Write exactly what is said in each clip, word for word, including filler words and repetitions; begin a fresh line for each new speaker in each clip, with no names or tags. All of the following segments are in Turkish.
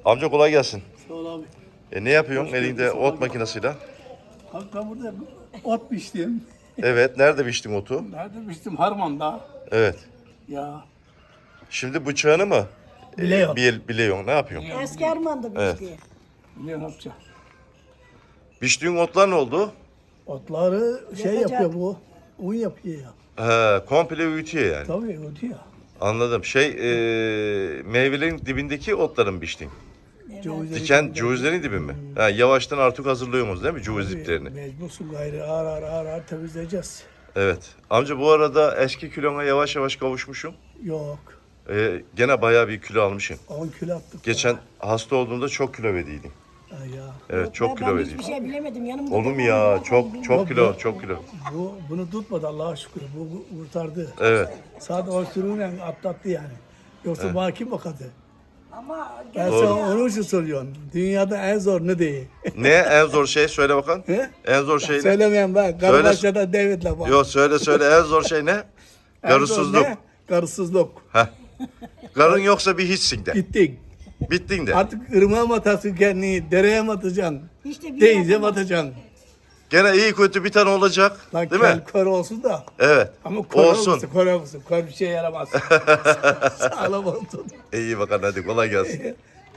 Amca kolay gelsin.
Sağ ol abi.
E ne yapıyorsun elinde ot makinesiyle?
Abi ben burada ot biçtim.
Evet, nerede biçtin otu?
Nerede biçtim? Harman'da.
Evet.
Ya.
Şimdi bıçağını mı?
Biliyor.
E, bil, biliyorsun, ne yapıyorsun?
Eski Arman'da
Evet.
bizdi.
Biliyor ne yapacağım?
Biçtiğin otlar ne oldu?
Otları şey
Yapacak.
Ee,
yapıyor bu. Un yapıyor ya.
He, komple öğütüyor yani.
Tabii ötüyor.
Anladım. Şey, e, meyvelerin dibindeki otları mı biçtin?
Cevizleri-
Diken cevizlerin dibi mi? Ha, yavaştan artık hazırlıyorsunuz değil mi ceviz
Tabii,
diplerini?
Mecbursun gayrı ağır ağır ağır ağır temizleyeceğiz.
Evet. Amca bu arada eski kilona yavaş yavaş kavuşmuşum.
Yok.
E, gene bayağı bir kilo almışım.
on kilo attık.
Geçen
daha.
hasta olduğumda çok kilo verdiydim.
Ha ya.
Evet, çok
ben,
kilo
ben
verdiydim.
hiçbir şey bilemedim. Yanımda
Olur mu
tamam,
ya?
ben
Çok
bilmiyorum.
çok kilo, çok kilo.
Bu bunu tutmadı Allah'a şükür. Bu kurtardı.
Evet.
Sadece o sürüyle atlattı yani. Yoksa bana kim bakardı?
Ama
Ben
Doğru.
sana onun için soruyorum. Dünyada en zor ne değil?
Ne en zor şey söyle bakalım.
He?
En zor şey ne?
Söylemeyen ben. Karıbaşı'da David'le var.
Yok söyle söyle en zor şey ne?
En zor
Karısızlık.
ne? Karısızlık.
Heh. Karın yoksa bir hiçsin de.
Gittik.
Bittin de.
Artık ırmağa mı atarsın kendini, dereye mi atacaksın?
işte bir
Denize mi
yapamam.
atacaksın?
Gene iyi kötü bir tane olacak.
Lan
Değil
kel
mi?
kör olsun da.
Evet.
Ama kör
Olsun.
olsun, kör olsun. Kör bir şey yaramaz. Sağlam olsun.
İyi bakalım hadi kolay gelsin.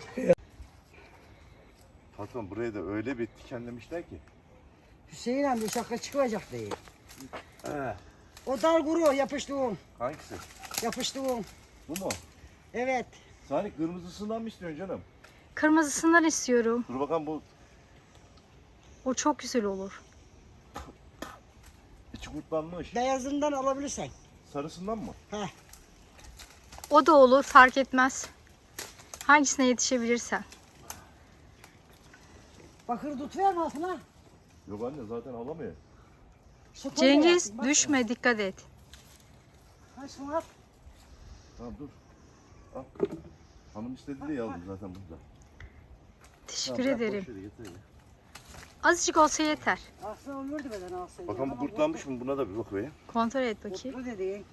Patron buraya da öyle bir dikenlemişler ki.
Hüseyin amca şaka çıkacak değil.
He.
O dal kuru yapıştığım.
Hangisi?
Yapıştığım.
Bu mu?
Evet.
Salih kırmızısından mı istiyorsun canım?
Kırmızısından istiyorum.
Dur bakalım bu
O çok güzel olur.
içi kurtlanmış.
Beyazından alabilirsen.
Sarısından mı?
Heh.
O da olur, fark etmez. Hangisine yetişebilirsen.
Bakır tut verme altına.
Yok anne zaten alamıyor.
Şu koyma
Cengiz
yapsın, bak.
düşme, dikkat et.
Ha, şunu at.
Tamam dur. Al. Hanım istedi de yazdım zaten burada.
Teşekkür
Tamam, bırak,
ederim.
boş ver, yeter ya.
Azıcık olsa yeter.
Aslında olurdu beden alsaydı.
Bakalım bu kurtlanmış mı? Buna da bir bak be.
Kontrol et bakayım.
Kurtlu dediğin.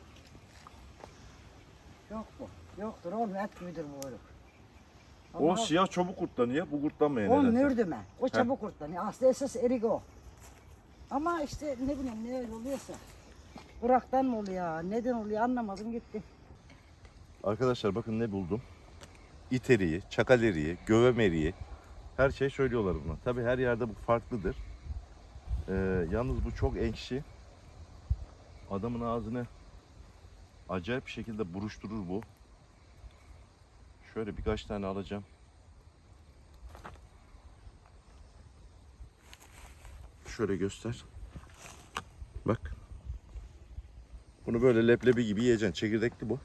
Yok bu. Yoktur oğlum, et gibidir bu oğlum.
O siyah çabuk kurtlanıyor. Bu kurtlanmıyor
O
nedense.
mürdüme. O çabuk kurtlanıyor. Aslında esas erik o. Ama işte ne bileyim ne öyle oluyorsa. Burak'tan mı oluyor, neden oluyor anlamadım gitti.
Arkadaşlar bakın ne buldum. İt eriği, çakal eriği, gövem eriği. Her şey söylüyorlar buna. Tabii her yerde bu farklıdır. Ee, yalnız bu çok ekşi. Adamın ağzını acayip bir şekilde buruşturur bu. Şöyle birkaç tane alacağım. Şöyle göster. Bak. Bunu böyle leblebi gibi yiyeceksin. Çekirdekli bu.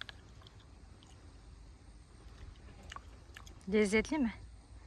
Lezzetli mi?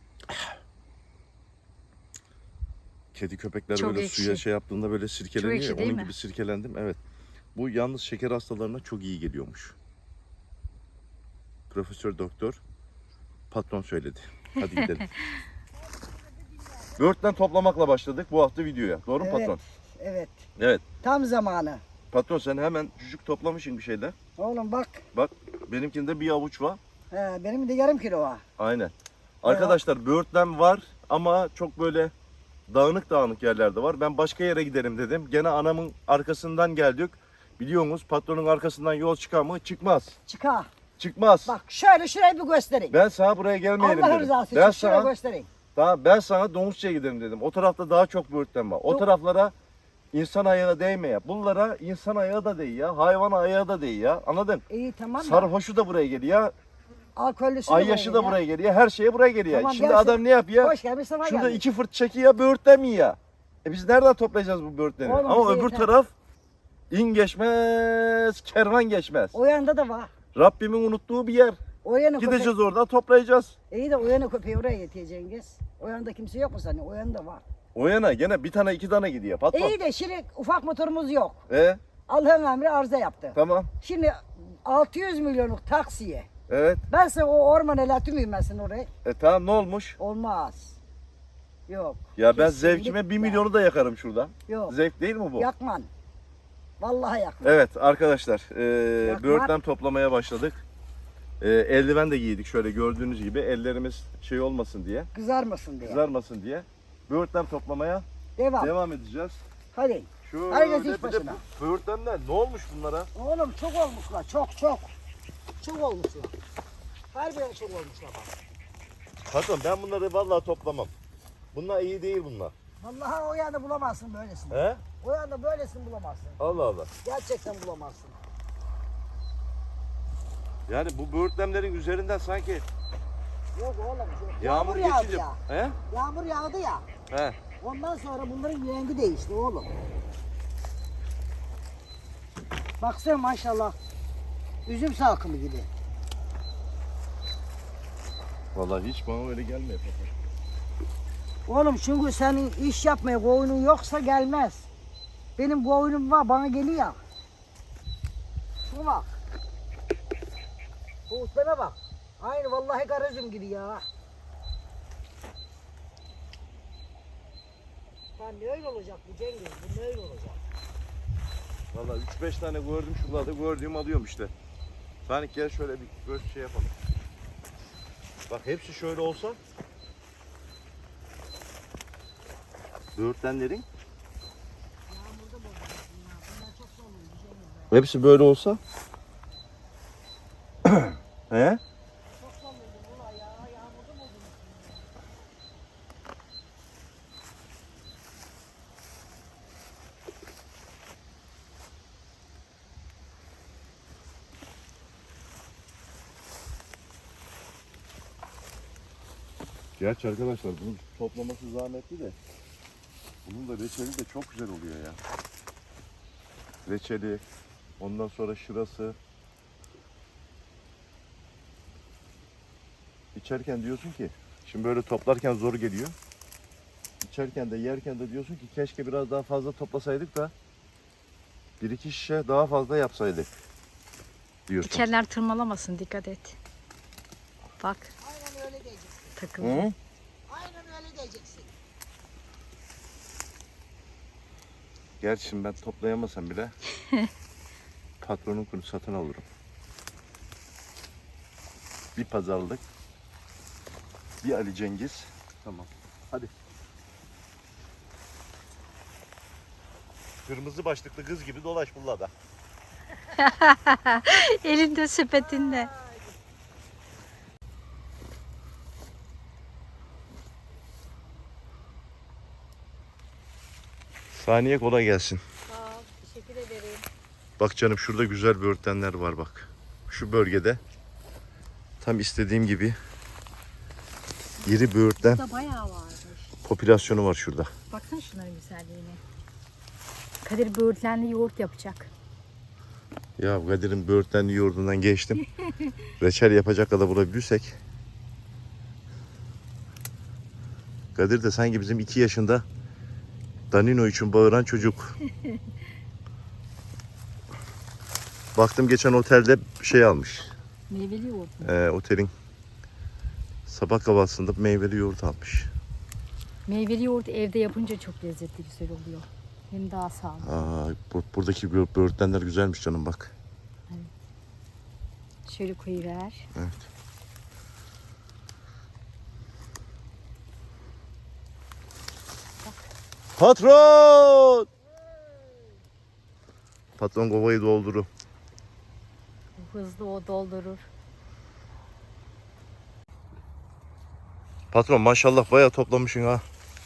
Kedi köpekler
Çok
böyle
ekşi.
suya şey yaptığında böyle sirkeleniyor
ekşi
ya.
değil
Onun
mi?
gibi sirkelendim. Evet. Bu yalnız şeker hastalarına çok iyi geliyormuş. Profesör doktor patron söyledi. Hadi gidelim. Böğürtlen toplamakla başladık bu hafta videoya. Doğru mu
Evet.
patron?
Evet.
Evet.
Tam zamanı.
Patron sen hemen cücük toplamışsın bir şeyler.
Oğlum bak.
Bak benimkinde bir avuç var.
He, benim de yarım kilo var.
Aynen. Arkadaşlar böğürtlen var ama çok böyle dağınık dağınık yerlerde var. Ben başka yere giderim dedim. Gene anamın arkasından geldik. Biliyorsunuz patronun arkasından yol çıkar mı? Çıkmaz.
Çıkar.
Çıkmaz.
Bak şöyle şurayı bir göstereyim.
Ben sana buraya gelmeyelim
Allah
dedim.
rızası
Ben
için şurayı
sana,
göstereyim.
daha, ben sana Domuzça'ya gidelim dedim. O tarafta daha çok böğürtlen var. O
Yok.
taraflara insan ayağı değme ya. Bunlara insan ayağı da değil ya. Hayvan ayağı da değil ya. Anladın?
İyi tamam da.
Sarhoşu da buraya geliyor.
Alkollüsü
Ayyaşı da buraya geliyor. Her şeye buraya geliyor.
Tamam,
Şimdi
gelsin.
adam ne yapıyor?
Hoş gelmiş sana
Şurada
gelmiş.
iki fırt çekiyor, böğürtlen mi ya? E biz nereden toplayacağız bu böğürtleni?
Oğlum
Ama
bize
öbür
yeter.
taraf in geçmez, kervan geçmez.
O yanda da var.
Rabbimin unuttuğu bir yer.
O yana
Gideceğiz
köpek.
orada toplayacağız.
İyi de o yana köpeği oraya yetiyor Cengiz. O yanda kimse yok mu senin? O yanda var.
O yana gene bir tane iki tane gidiyor patron.
İyi de şimdi ufak motorumuz yok.
E
Allah'ın emri arıza yaptı.
tamam.
Şimdi altı yüz milyonluk taksiye.
Evet.
Ben sana o ormana latımıyım ben sana oraya.
E tamam ne olmuş?
Olmaz. Yok.
Ya ben
Kesinlikle.
zevkime bir milyonu da yakarım şurada.
Yok.
Zevk değil mi bu?
Yakman. Vallahi yakman.
Evet arkadaşlar e,
Yakmak.
böğürtlen toplamaya başladık. Ee, eldiven de giydik şöyle gördüğünüz gibi. Ellerimiz şey olmasın diye,
Kızarmasın diye.
kızarmasın diye. Böğürtlen toplamaya
Devam.
devam edeceğiz.
Hadi.
Şöyle
Herkes iş
bir de
başına.
böğürtlenler ne olmuş bunlara?
Oğlum çok olmuşlar. Çok çok. Çok olmuşlar. Harbiden çok olmuşlar bak.
Patron ben bunları vallahi toplamam. Bunlar iyi değil bunlar.
Vallahi o yanda bulamazsın böylesini.
He?
O yanda böylesini bulamazsın.
Allah Allah.
Gerçekten bulamazsın.
Yani bu böğürtlenlerin üzerinden sanki
Yok oğlum. Yok.
yağmur,
Yağmur yağdı
geçince...
ya.
He?
Yağmur yağdı ya.
He.
Ondan sonra bunların rengi değişti oğlum. Baksana maşallah. Üzüm salkımı gibi.
Vallahi hiç bana öyle gelmiyor patron.
Oğlum çünkü senin iş yapmaya koyunun yoksa gelmez. Benim koyunum var bana geliyor. Şuna bak. Bu utlana bak. Aynı vallahi garajım gibi ya. Lan ne öyle olacak bu Cengiz? Bu ne öyle olacak?
Vallahi üç beş tane gördüm şuralarda gördüğüm alıyorum işte. Sanik gel şöyle bir göz şey yapalım. Bak hepsi şöyle olsa böğürtlenlerin
Yağmurda bozulmasın ya. Bunlar çok zorluydu Cengiz be.
hepsi böyle olsa he?
Çok zorluydu bunlar ya. Yağmurda bozulmasın.
Gerçi arkadaşlar bunun toplaması zahmetli de bunun da reçeli de çok güzel oluyor ya. Reçeli, ondan sonra şırası. İçerken diyorsun ki, şimdi böyle toplarken zor geliyor. İçerken de yerken de diyorsun ki keşke biraz daha fazla toplasaydık da bir iki şişe daha fazla yapsaydık diyorsun.
Dikenler tırmalamasın, dikkat et. Bak
Aynen öyle diyeceksin.
takıldı.
Hı?
Aynen öyle diyeceksin.
Gerçi şimdi ben toplayamasam bile patronun kunu satın alırım. Bir pazarlık, bir Ali Cengiz. Tamam. Hadi. Kırmızı başlıklı kız gibi dolaş bullada.
Elinde sepetinde.
Saniye kolay gelsin.
Sağ ol, teşekkür ederim.
Bak canım şurada güzel böğürtlenler var bak. Şu bölgede tam istediğim gibi iri böğürtlen
Burada bayağı varmış.
popülasyonu var şurada.
Baksana şunların güzelliğine. Kadir böğürtlenli yoğurt yapacak.
Ya Kadir'in böğürtlenli yoğurdundan geçtim. Reçel yapacak kadar bulabilirsek. Kadir de sanki bizim iki yaşında Danino için bağıran çocuk. Baktım geçen otelde şey almış.
Meyveli yoğurt mu?
Ee, otelin sabah kahvaltısında meyveli yoğurt almış.
Meyveli yoğurt evde yapınca çok lezzetli, güzel oluyor. Hem daha sağlıklı.
Aa, bu, buradaki bö- böğürtlenler güzelmiş canım bak.
Şöyle koyuver.
Evet. Patron! Patron kovayı dolduru.
Hızlı o doldurur.
Patron maşallah bayağı toplamışsın ha.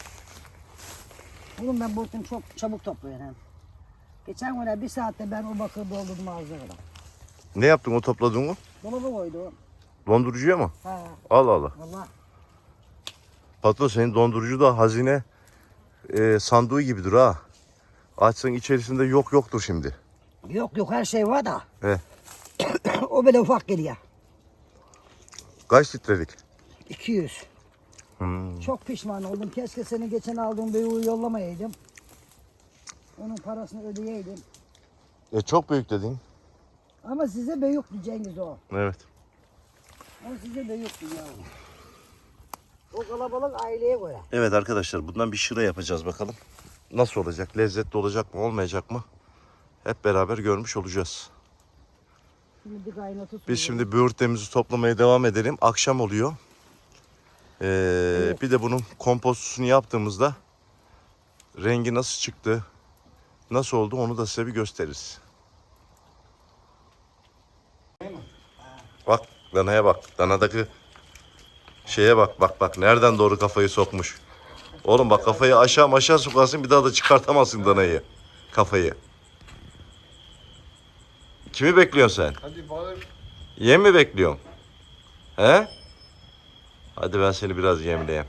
Oğlum ben bu çok çabuk topluyorum hem. Geçen gün bir saatte ben o bakır doldurdum ağzına kadar.
Ne yaptın o topladığını?
Dolaba koydum.
Dondurucuya mı?
Ha
Allah Allah.
valla.
Patron senin dondurucu da hazine e, sandığı gibidir ha. Açsan içerisinde yok yoktur şimdi.
Yok yok her şey var da.
He.
O böyle ufak geliyor.
Kaç litrelik?
iki yüz.
Hmm.
Çok pişman oldum. Keşke seni geçen aldığım büyüğü yollamayaydım. Onun parasını ödeyeydim.
E, çok büyük dedin.
Ama size büyüktü Cengiz o.
Evet.
Ama size büyüktü ya. O kalabalık aileye göre.
Evet arkadaşlar bundan bir şıra yapacağız bakalım. Nasıl olacak? Lezzetli olacak mı olmayacak mı? Hep beraber görmüş olacağız.
Şimdi bir kaynatıp
Biz şimdi böğürtlerimizi toplamaya devam edelim. Akşam oluyor. Ee,
Evet.
Bir de bunun kompostunu yaptığımızda rengi nasıl çıktı, nasıl oldu onu da size bir gösteririz. Bak danaya bak. Danadaki şeye bak bak bak. Nereden doğru kafayı sokmuş. Oğlum bak kafayı aşağı aşağı sokarsın bir daha da çıkartamazsın danayı. Kafayı. Kimi bekliyorsun sen?
Hadi balık.
Yem mi bekliyorsun? He? Hadi ben seni biraz yemleyeyim.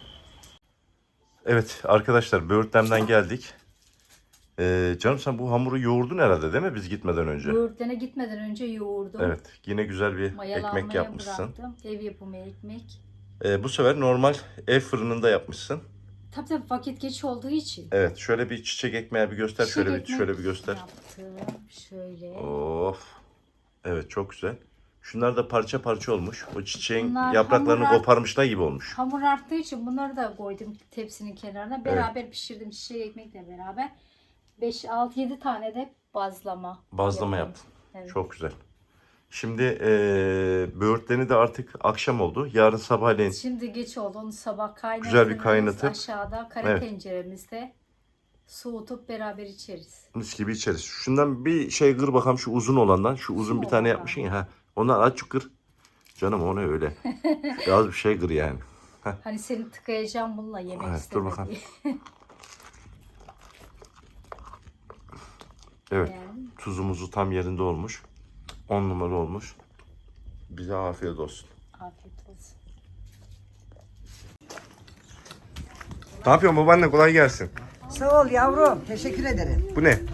Evet arkadaşlar böğürtlemden geldik. Ee, canım sen bu hamuru yoğurdun herhalde değil mi biz gitmeden önce?
Böğürtlene gitmeden önce yoğurdum.
Evet yine güzel bir
Mayalanmaya
ekmek yapmışsın.
bıraktım. Ev yapımı ekmek.
Ee, bu sefer normal ev fırınında yapmışsın.
Tabii tabii vakit geç olduğu için.
Evet şöyle bir çiçek ekmeği bir göster.
Çiçek
şöyle bir
ekmek
şöyle bir göster.
Yaptım. Şöyle.
Of. Evet çok güzel. Şunlar da parça parça olmuş. O çiçeğin
Bunlar
yapraklarını
hamur-
koparmışlar gibi olmuş.
Hamur arttığı için bunları da koydum tepsinin kenarına. Beraber pişirdim çiçek ekmekle beraber. beş altı yedi tane de bazlama.
Bazlama
yaptım.
yaptın.
Evet.
Çok güzel. Şimdi eee böğürtlerini de artık akşam oldu. Yarın sabahleyin
Şimdi geç oldu. Onu sabah kaynatırız.
Güzel bir kaynatıp-
Aşağıda kara
Evet.
tenceremizde soğutup beraber içeriz.
mis gibi içeriz. Şundan bir şey kır bakalım şu uzun olandan. Şu uzun bir tane
olandan.
yapmışsın ya. Ha. Ondan azıcık kır. Canım o ne öyle. Biraz bir şey kır yani.
Hani seni tıkayacağım bununla yemek
Evet, dur
isteme
bakalım.
diye.
Evet.
Yani.
Tuzumuzu tam yerinde olmuş. On numara olmuş. Bize afiyet olsun.
Afiyet olsun.
Ne yapıyorsun babaanne, kolay gelsin.
Sağ ol yavrum. Teşekkür ederim.
Bu ne?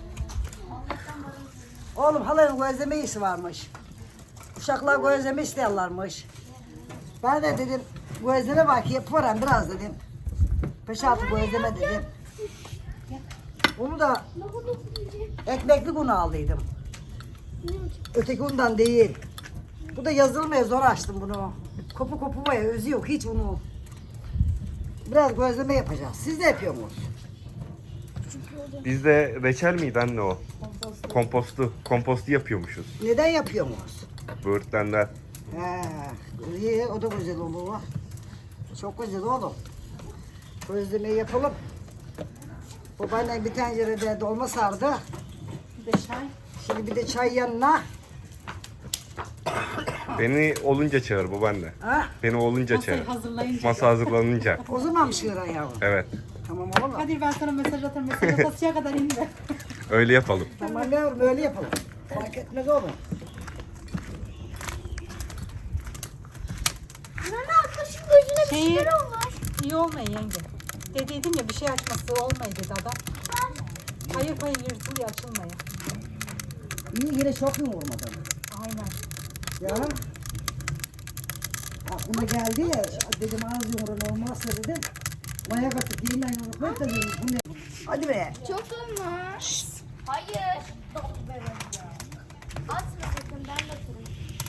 Oğlum halanın gözleme işi varmış. Uşaklar gözleme istiyorlarmış. Ben de dedim gözleme bak yaparım biraz dedim. Beş altı gözleme dedim. Bunu da ekmekli un aldıydım. Öteki undan değil. Bu da yazılmaya zor açtım bunu. Kopu kopu var ya özü yok hiç unu. Biraz gözleme yapacağız. Siz de yapıyor musunuz?
Bizde reçel miydi anne o? Kompostu. Kompostu yapıyormuşuz.
Neden yapıyor musunuz?
Böğürtlenler.
He, iyi, o da güzel olur. Çok güzel oğlum. Gözlemeyi yapalım. Babaannem bir tencerede dolma sardı.
Bir de çay.
Şimdi bir de çay yanına.
Beni olunca çağır babaanne.
Ha?
Beni olunca
Masayı
çağır.
hazırlayınca.
Masa hazırlanınca.
O zaman mı şıran yavrum?
Evet.
Tamam oğlum.
Kadir ben sana mesaj atarım. Mesaj atasıya kadar inme.
Öyle yapalım.
Tamam yavrum öyle yapalım. Fark etmez oğlum.
Nana arkadaşın gözüne bir
Şeyi-
şeyler olmuş.
İyi olmayın yenge. Dediydim ya bir şey açması olmayı dedi adam. Hayır hayır yırtılıyor açılmaya.
İyi yine çok mu vurmadı?
Aynen.
Ya. Aklıma geldi ya dedim ağız yumruğun olmazsa dedim. Maya katıp yeniden yumruklayıp da dedim bu ne? Hadi be.
Çok olmuş. Hayır. Atma sakın, ben de atarım.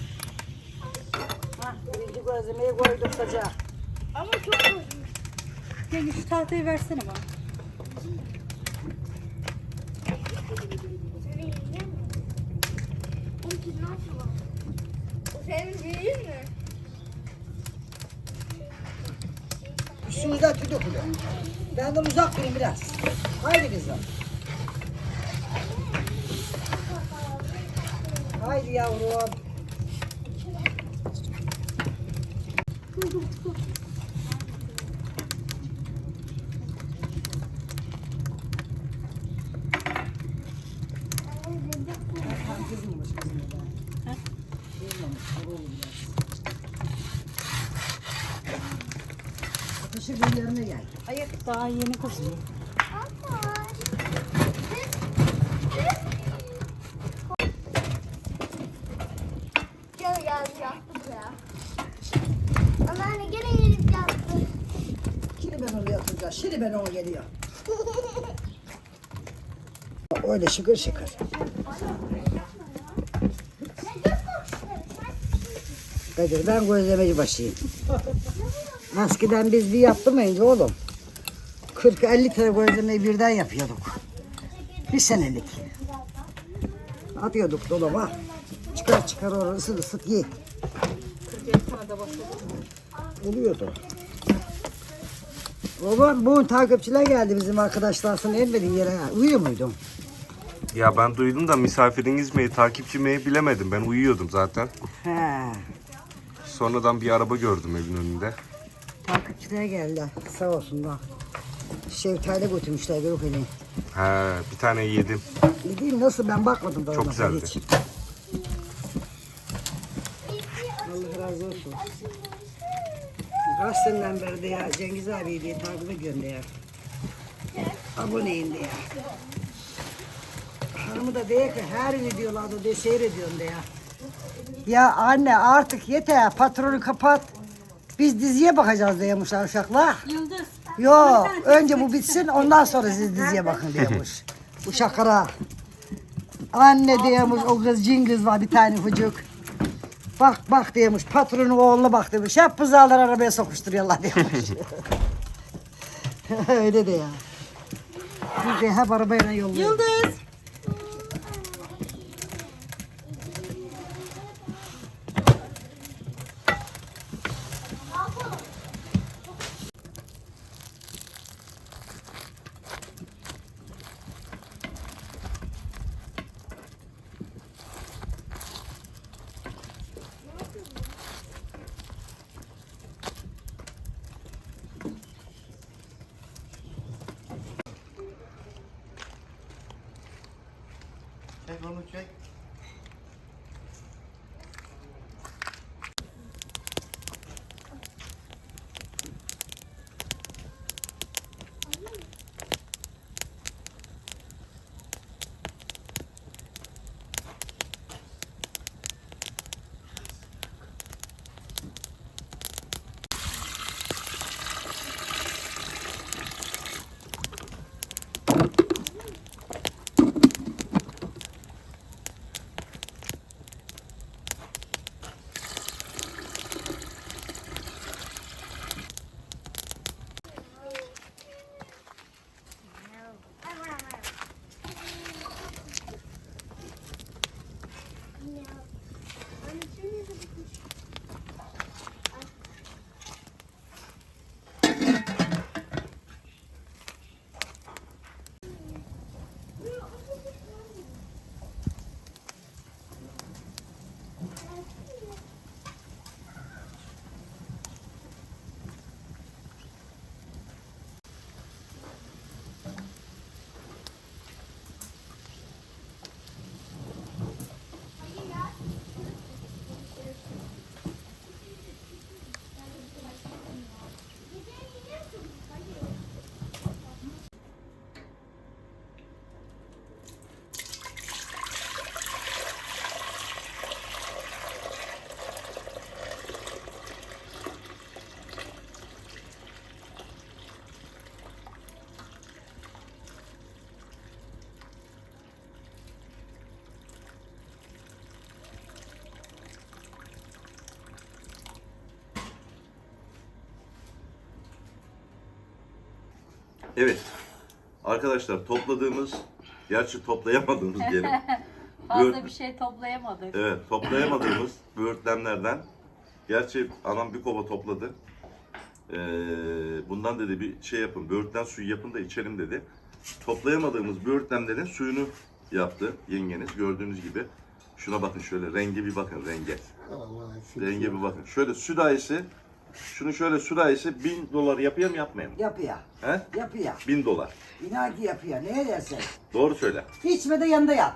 Ha, birinci gözlemeyi koyduk saca.
Ama çok olmuş.
Yenge şu tahtayı versene bana.
Senin yiyecek mi? Onun için ne yapalım? O senin büyüğün mü?
Üstümüzden tüy dökülüyor. Benden uzak durun biraz. Haydi kızım. Haydi yavrum. Tam kızılmış kızım da. Kızılmış, kurulmuş biraz. Ateşi bir yerine gel.
Hayır daha yeni kızıyor.
Gene geldi yattı buraya. Anneanne gene gelip yattı.
Şimdi ben onu yatıracağım. Şimdi ben onu geliyor. Öyle şıkır şıkır. Kadir ben gözlemeci başıyım. Eskiden biz bir yaptırmayınca oğlum. kırk elli tane gözlemeyi birden yapıyorduk. Bir senelik. Atıyorduk dolaba. Çıkar çıkar orası ısıt ısıt ye.
kırk yedi tane de başladı.
Oluyordu. Baba bugün takipçiler geldi bizim arkadaşlar. Sen elmedin yere. Uyuyor muydun?
Ya ben duydum da misafiriniz mi, takipçi mi bilemedim. Ben uyuyordum zaten.
He.
Sonradan bir araba gördüm evin önünde.
Takipçiler geldi. Sağ olsunlar. Şeftali götürmüşler Gürükeli.
He, bir tane yedim.
Gideyim nasıl ben bakmadım da
Çok
ona
güzeldi.
hiç. Allah razı olsun. Kaç seneden beri de ya Cengiz abi diye takip ediyorum de ya. Aboneyim de ya. Hanımı da diyor ki her videolarda de seyrediyorum de ya. Ya anne artık yeter patronu kapat. Biz diziye bakacağız diyormuşlar uşaklar.
Yıldız.
Yok önce bu bitsin ondan sonra siz diziye bakın diyormuş. Uşaklara. Anne diyormuş o kız cin kız var bir tane çocuk. Bak bak diyormuş patronun oğluna bak demiş. Hep buzağlar arabaya sokuşturuyorlar diyormuş. Öyle de ya. Biz de hep arabayla yolluyoruz.
Yıldız.
Çek onu çek. Evet. Arkadaşlar topladığımız, gerçi toplayamadığımız diyelim.
Fazla
Böğürt-
bir şey toplayamadık.
Evet, toplayamadığımız böğürtlenlerden, gerçi anam bir kova topladı. Ee, bundan dedi bir şey yapın, böğürtlen suyu yapın da içelim dedi. Toplayamadığımız böğürtlenlerin suyunu yaptı yengeniz gördüğünüz gibi. Şuna bakın şöyle, renge bir bakın, renge. Renge bir bakın. Şöyle südahisi, şunu şöyle südahisi bin dolar yapıyor mu yapmıyor mu?
Yapıyor.
He?
Yapıyor.
Bin dolar.
İnan ki yapıyor. Neye dersen.
Doğru söyle.
İçme de yanında yat.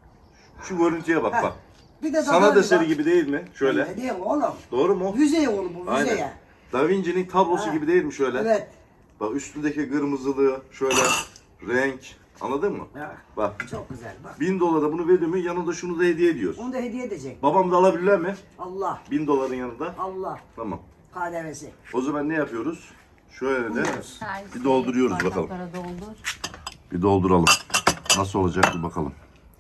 Şu görüntüye bak
Heh.
bak.
Bir de
Sanat
daha-
eseri gibi değil mi? Şöyle.
Ne diyeyim oğlum?
Doğru mu?
Yüzey oğlum bu yüzeye.
Aynen. Da Vinci'nin tablosu
Ha.
gibi değil mi şöyle?
Evet.
Bak üstündeki kırmızılığı şöyle renk. Anladın mı?
Ha,
Bak
çok güzel bak.
bin dolara bunu veriyor mu yanında şunu da hediye ediyoruz.
Onu da hediye edecek.
Babam da alabilirler mi?
Allah.
Bin doların yanında.
Allah.
Tamam.
K D V'si.
O zaman ne yapıyoruz? Şöyle de
Servis
bir dolduruyoruz bakalım.
bardaklara doldur.
Bir dolduralım. Nasıl olacak bir bakalım.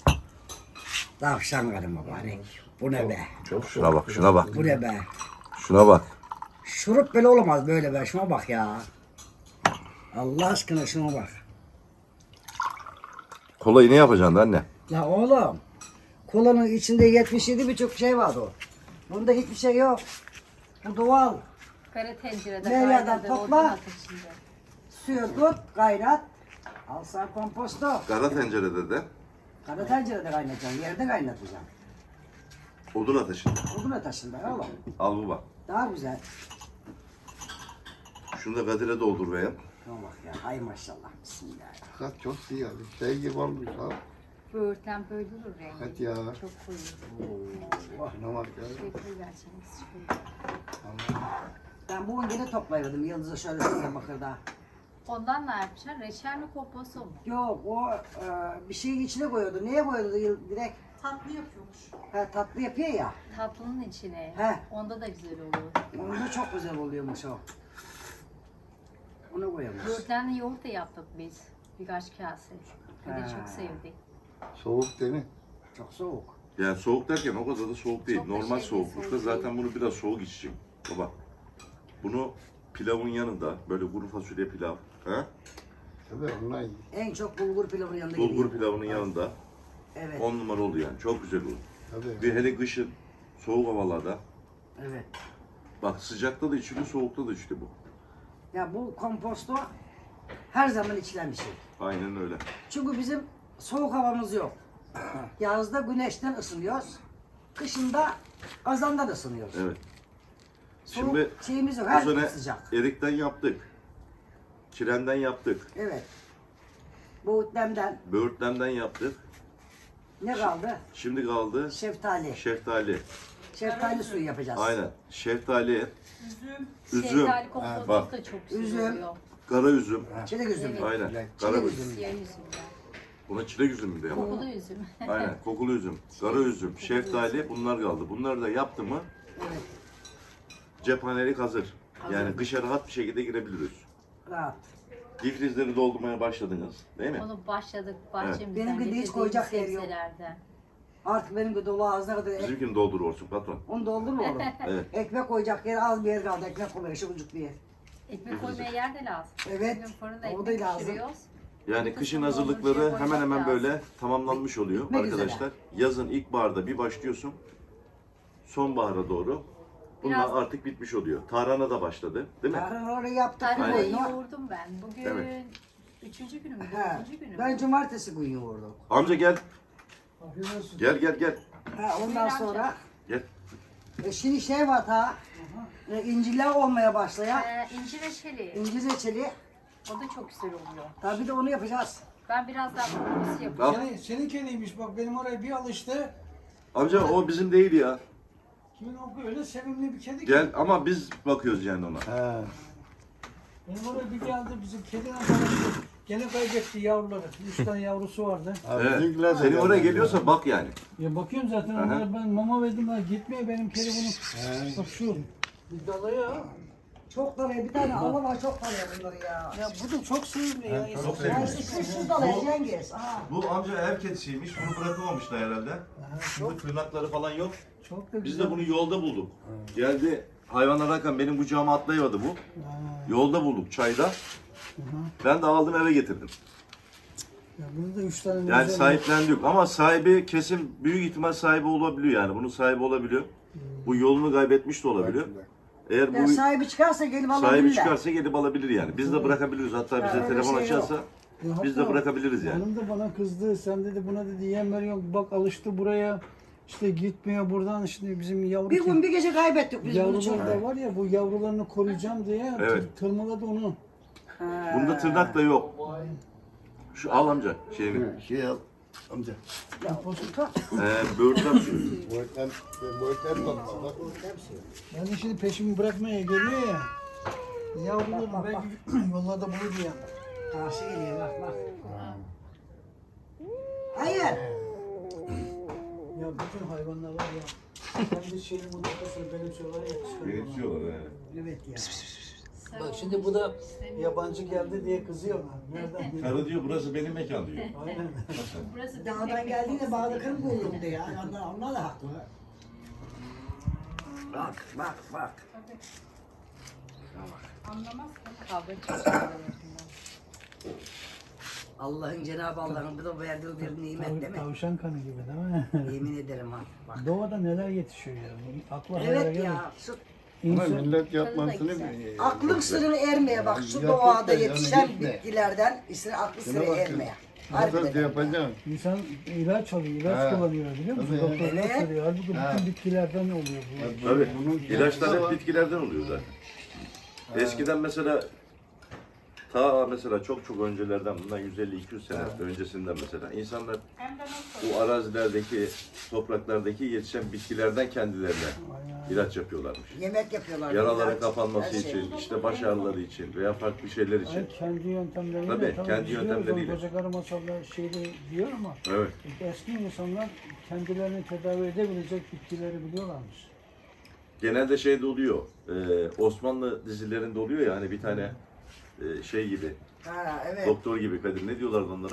Tavşan karı mübarek. Bu ne be?
Şuna bak, şuna bak.
Bu ne be?
Şuna bak.
Şurup böyle olamaz böyle be. Şuna bak ya. Allah aşkına şuna bak.
Kolayı ne yapacaksın anne?
La oğlum. Kolanın içinde yetmiş yedi birçok şey vardı o. Bunda hiçbir şey yok. Bu doğal.
Kara tencerede
Nereden
kaynadı,
topla?
odun ateşinde.
Suyu tut, kaynat. Al sana komposto.
Kara tencerede de
Kara tencerede kaynatacaksın, yerde kaynatacaksın.
odun ateşinde.
Odun ateşinde oğlum.
Al bu bak.
Daha güzel.
Şunu da Kadir'e doldur beğen.
Şuna bak ya, ay maşallah. Bismillah.
Kat çok iyi yani. Şey gibi olmuş ha.
Böğürtlen böyle olur rengi.
Hadi ya.
Çok koyu.
Ne var ya?
Şey koyuverseniz şöyle.
Ben bugün yine toplayırdım Yıldız'a şöyle size bakırda.
Ondan ne yapacaksın? Reçel mi komposto mu?
Yok o e, bir şeyin içine koyuyordu. Neye koyuyordu Yıl- direkt?
Tatlı yapıyormuş.
Ha, tatlı yapıyor ya.
Tatlının içine.
He.
Onda da güzel olur.
Onda çok güzel oluyormuş o. Onu koyuyormuş.
Böğürtlenli yoğurt da yaptık biz. Birkaç kase. Bir de
He.
çok sevdik.
Soğuk değil mi?
Çok soğuk.
Yani soğuk derken o kadar da soğuk değil.
Çok da
Normal
şey değil,
soğuklukta
soğuk
zaten bunu biraz soğuk içecek. Baba. Bunu pilavın yanında böyle kuru fasulye pilav. He?
Tabii onlar iyi.
En çok bulgur pilavının yanında
Bulgur
gidiyor.
pilavının yanında
Evet.
on numara oldu yani. Çok güzel olur.
Tabii.
Bir hele kışın soğuk havalarda.
Evet.
Bak sıcakta da içiliyor, soğukta da içiliyor bu.
Ya bu komposto her zaman içilen bir şey.
Aynen öyle.
Çünkü bizim soğuk havamız yok. Yazda güneşten ısınıyoruz. Kışında kazandan ısınıyoruz.
Evet.
Soğuk
Şimdi
şeyimiz yok.
bu
Her
sene
gün sıcak.
erikten yaptık. Kirenden yaptık.
Evet. Boğutlemden
Böğürtlemden yaptık.
ne kaldı?
Şimdi kaldı
Şeftali.
şeftali.
Şeftali suyu yapacağız.
Aynen. Şeftali, üzüm,
Şeftali komposto
bak.
da çok güzel
Üzüm.
oluyor.
kara üzüm.
Çilek üzümü.
Evet.
Aynen.
Çilek
Kara üzüm.
üzümü.
Siyah üzümden.
Buna çilek üzümü de ama.
Kokulu üzüm.
Aynen. Kokulu üzüm, kara üzüm, şeftali bunlar kaldı. Bunları da yaptı mı
Evet.
cephanelik hazır. Yani kışa rahat bir şekilde girebiliriz.
Rahat.
Difrizleri doldurmaya başladınız değil mi?
Onu başladık bahçemizden.
Benimki de hiç
getirdiğimiz
koyacak yer yok.
sebzelerden.
Artık benim de dolu ağzına kadar ek,
Bizimkini doldurursun patron.
onu doldurma oğlum.
Evet.
Ekmek koyacak yer az bir yer kaldı. Ekmek koyuyor şu bucuk bir yer.
Ekmek koymaya yer de lazım.
Evet,
Bugün fırında
o da
ekmek
lazım.
pişiriyoruz.
Yani kışın hazırlıkları hemen hemen böyle tamamlanmış oluyor
Bitmek üzere.
arkadaşlar. Yazın ilkbaharda bir başlıyorsun. Sonbahara doğru. Bunlar
Biraz-
artık bitmiş oluyor. Tarhana da başladı değil mi?
Yarın orayı yaptık.
Tarhanayı
koyunu.
yoğurdum ben. Bugün
Evet.
üçüncü günü mü?
He,
Dördüncü günü mü?
ben cumartesi günü yoğurdum.
Amca gel. Gel gel gel.
Ha, ondan sonra
Gel.
e, şimdi şey var ha. E, incirler olmaya başlayan.
Ee, incir reçeli.
İncir reçeli.
O da çok güzel oluyor.
Tabii de onu yapacağız.
Ben biraz daha kokusu
Al.
yapacağım.
Senin, senin kediymiş bak benim oraya bir alıştı.
Amca o bizim değil ya.
Kimin o öyle sevimli bir kedi ki.
Gel ama biz bakıyoruz yani ona.
He.
Benim oraya bir geldi bizim kediden tanıştı. Gene kaybetti yavruları. Üç tane yavrusu vardı.
Abi
Evet.
bizimkiler de
Senin
geldi.
oraya geliyorsa bak yani.
Ya bakıyorum zaten onlara ben mama verdim ha gitmiyor benim kedi bunu. Bak şu. Bir dalıyor.
Çok dalaya bir tane Allah var çok dalaya bunları ya.
Ya bu da çok sevimli ya.
Çok
Ya işte şu, şu dalaya Cengiz. Aha.
Bu amca ev kedisiymiş. Bunu bırakamamışlar herhalde. Şimdi tırnakları falan yok.
Çok da
Biz
güzel.
de bunu yolda bulduk. Geldi hayvan ararken benim kucağıma atlayamadı bu. Yolda bulduk çayda. Ben de aldım eve getirdim.
Ya bunu da üç tane
Yani
güzel-
sahiplendik ama sahibi kesin büyük ihtimal sahibi olabiliyor yani. Bunun sahibi olabiliyor. Bu yolunu kaybetmiş de olabiliyor. Eğer
Ya
bu
sahibi çıkarsa gelip
sahibi
alabilirler.
çıkarsa gelip alabilir yani. Biz de bırakabiliriz. Hatta bize
öyle
telefon
şey
açarsa
Ya
biz de
hatta
bırakabiliriz yani.
Hanım da bana kızdı. Sen dedi buna dedi yem veriyorsun. Bak alıştı buraya. İşte gitmiyor buradan. Şimdi bizim yavru
Bir gün bir gece kaybettik biz bunu çok.
yavrular da var ya bu yavrularını koruyacağım diye
Evet.
tır- tırmaladı onu.
Bunda tırnak da yok. Şu al amca şeyini.
Şey al. Amca.
Ya, tut.
Ee, böğürtlen suyu.
Boyutlar, boyutlar topla bak.
Ben de şimdi peşimi bırakmaya geliyor ya. Yavrularını belki yollarda bulur diye.
Karşı geliyor bak bak. Hayır.
Ya bütün hayvanlar var ya. Ben de şeyin bu noktasını benimsiyorlar ya.
Benimsiyorlar he.
Evet ya.
Bak şimdi bu da yabancı geldi diye kızıyorlar. Nereden biliyor?
Karı diyor burası benim mekan diyor.
Aynen.
Burası
Dağdan geldiğinde bağda kırım buldum diye. Onlar, onlar da haklı. Bak bak bak.
anlamaz. Kavga çok güzel.
Allah'ın Cenab-ı Allah'ın bir de verdiği bir nimet değil mi?
Tavşan kanı gibi değil mi?
Yemin ederim ha. Bak.
Doğada neler yetişiyor yani. Akla hayale
Evet
gelir.
ya. Şu
Ama
İnsan,
millet yapmasını
güzel.
biliyor.
aklın sırrı ermeye bak. Şu
Gerçekten
doğada
yani
yetişen
gitme.
bitkilerden işte aklı
Şuna
sırrı
bakın.
ermeye.
Nasıl şey
Harbiden.
yapacaksın?
insan ilaç alıyor, ilaç
Ha.
kullanıyor biliyor musun?
Tabii.
Doktorlar
Evet.
söylüyor. Halbuki
Ha.
bütün bitkilerden oluyor bu.
Tabii.
Bunun
İlaçlar
var.
hep bitkilerden oluyor zaten. Eskiden mesela ta mesela çok çok öncelerden bundan yüz elli iki yüz sene öncesinden mesela insanlar bu arazilerdeki topraklardaki yetişen bitkilerden kendilerine ilaç yapıyorlarmış.
Yemek yapıyorlar.
Yaraların
ilaç,
kapanması
her şey.
için, işte baş ağrıları için veya farklı şeyler için.
Ay, kendi yöntemleriyle.
Tabii,
tamam,
kendi
biliyoruz onu,
yöntemleriyle.
Koca karı masallar şeyde diyor ama
Evet.
eski insanlar kendilerini tedavi edebilecek bitkileri biliyorlarmış.
Genelde şeyde oluyor. e, Osmanlı dizilerinde oluyor ya hani bir tane e, şey gibi,
Ha evet.
doktor gibi Kadir, ne diyorlardı onlara?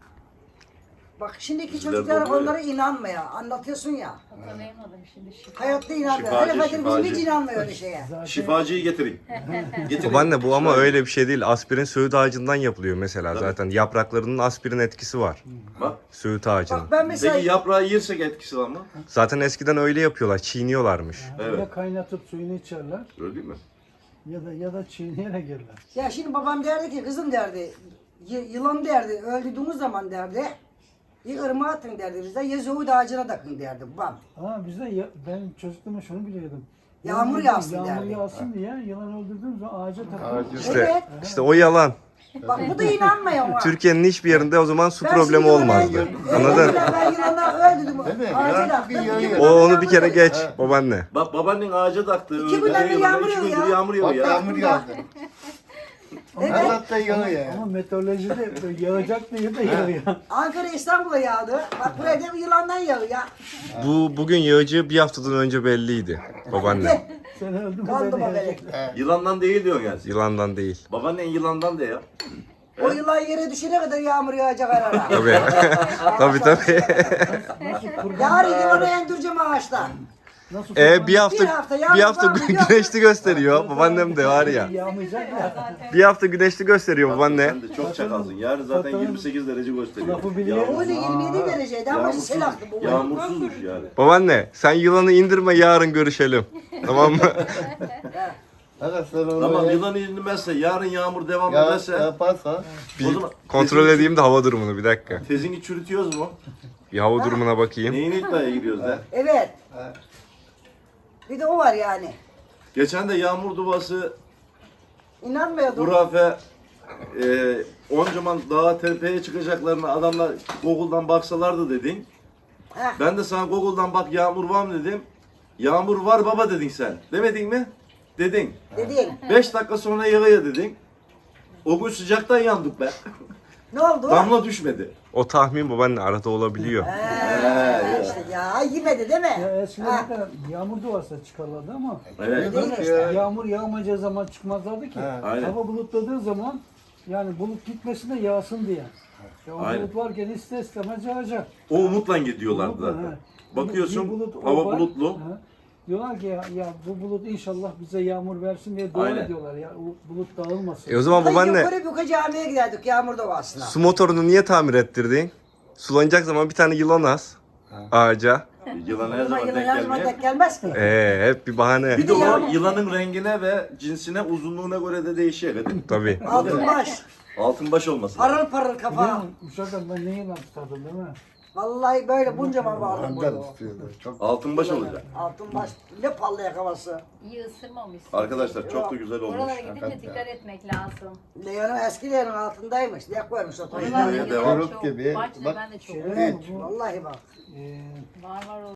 Bak şimdiki
Bizler
çocuklar
oluyor ya.
onlara inanmıyor. Anlatıyorsun ya.
Hatırlayamadım şimdi şifa.
Hayatta inanmıyor.
Şifacı,
Hele Kadir bizim
şifacı.
hiç inanmıyor öyle şeye.
Zaten
Şifacıyı getirin. Getirin.
Babaanne bu ama öyle bir şey değil. Aspirin söğüt ağacından yapılıyor mesela zaten. Yapraklarının aspirin etkisi var.
Bak.
Söğüt ağacının.
Bak ben mesela
Peki yaprağı yersek etkisi var mı?
Zaten eskiden öyle yapıyorlar. Çiğniyorlarmış.
Evet.
ya kaynatıp suyunu içerler
Öyle değil mi?
ya da ya da çiğneyerek yerler.
ya şimdi babam derdi ki kızım derdi y- yılan derdi öldüğümüz zaman derdi ya ırmağa atın derdi bize ya zoğut ağacına takın derdi babam.
Ama bizde ya, ben çocukluğumda şunu biliyordum.
Yağmur
Yağmur-
yağsın
Yağmur
derdi.
yağsın diye yılan öldürdüğümüz zaman ağaca takılır.
Ağacı-
İşte,
Evet.
işte o yalan.
Bak bu da inanmıyor ama.
Türkiye'nin hiçbir yerinde o zaman su
Ben
problemi
şimdi yılanı
olmazdı.
öldürdüm.
Anladın?
Evet, Ben yılana öldürdüm.
Değil mi?
Ağaca
Yarın
taktım.
bir
iki
yağıyor.
günden
O
beri
onu bir kere
yağmur
geç
yağıyor.
babaanne.
Bak babaannen ağaca taktı.
İki
öyle
günden beri
yılda,
yağmur
üç gündür
yağıyor.
yağmur yağıyor
Bak
ya.
yağmur yağdı.
Evet.
Allah'ta yağıyor.
Ama meteorolojide böyle yağacak diye de yağıyor.
Ankara İstanbul'a yağdı. Bak buraya da bir yılandan yağıyor ya.
Bu bugün yağacağı bir haftadan önce belliydi babaanne.
Sen öldün mü
Kaldı
ben de
babelek.
yağacak.
Yılandan değil diyorsun yani.
Yılandan değil.
Babaannen yılandan de ya.
O yılan yere düşene kadar yağmur yağacak ara ara.
Tabii. tabii tabii.
Nasıl kurban,
Yarın yılanı endireceğim ağaçtan.
nasıl
E
kurban
bir hafta
Bir hafta yağmur
bir hafta
var mı? Yok.
güneşli gösteriyor. Babaannem de var ya.
yağmayacak ya.
Bir hafta güneşli gösteriyor babaanne.
Sen de çok çakalsın. Yarın zaten
Zaten-
yirmi sekiz derece gösteriyor.
Lafı biliyor.
O da yirmi yedi dereceydi ama
Yağmursuz,
sel aktı bu.
yağmursuzmuş yani.
Babaanne sen yılanı indirme yarın görüşelim. Tamam mı?
Hadi sen onu
Tamam
yap.
yılan inmezse, yarın yağmur devam
Ya,
ederse
yaparsa
o
Bir
zaman
kontrol
tezini-
edeyim de hava durumunu bir dakika.
Tezini çürütüyoruz mu?
Bir hava durumuna bakayım.
Neyin iddiaya giriyoruz da?
Evet.
Ha.
Bir de o var yani.
Geçen de yağmur duvası
İnanmıyordum.
hurafe e, oncaman dağa tepeye çıkacaklarına adamlar Google'dan baksalardı dedin.
Heh.
Ben de sana Google'dan bak yağmur var mı dedim. Yağmur var baba dedin sen. Demedin mi? Dedin.
Dedin.
Beş dakika sonra yağıyor dedin. O gün sıcaktan yandık be.
Ne oldu?
Damla düşmedi.
O tahmin babaanne arada olabiliyor.
Ee, işte ya yemedi değil mi?
Ya eskiden
Ha.
de yağmur duvarsa çıkarlardı ama
Evet.
Değil mi işte?
Ya.
yağmur yağmayacağı zaman çıkmazlardı ki.
Ha.
Aynen.
Hava bulutladığı zaman yani bulut gitmesin de yağsın diye. Ya o
Aynen.
bulut varken ister istemez yağacak.
O umutla gidiyorlardı
Bulutla,
zaten.
ha.
Bakıyorsun
Bir bulut, o
hava
var.
bulutlu.
Ha. Diyorlar ki ya, ya bu bulut inşallah bize yağmur versin diye dua
Aynen.
ediyorlar ya o bulut dağılmasın.
E o zaman
Hayır,
babaanne
yukarı yukarı camiye giderdik yağmur doğasına.
su motorunu niye tamir ettirdin? Sulanacak zaman bir tane yılan az ağaca.
Yılan her
Yılan
zaman
yılan
denk
her zaman
gelmiyor.
denk gelmez ki.
Ee, hep bir bahane.
Bir de o
yağmur-
yılanın rengine ve cinsine, uzunluğuna göre de değişiyor. Kadın.
Tabii.
Altın baş,
Altın baş olması.
parıl parıl
Biliyor
kafa.
musun? Uşaklar ben ne yılan tutardım değil mi?
Vallahi böyle bunca mal vardı
Angal
burada.
istiyorlar. Çok
Altın baş olacak.
Altın baş, ne pallayak havası.
İyi ısırmamışsın.
Arkadaşlar çok da güzel olmuş.
Oralara gidince dikkat etmek lazım.
Leon'un eski Leon'un altındaymış. Ne koymuş o
Oralara
toyuna.
Videoya
gidince
devam.
çok.
gibi.
Bahçede
Bak,
ben de çok.
şey-
Evet, vallahi bak.
Ee,
Var var o.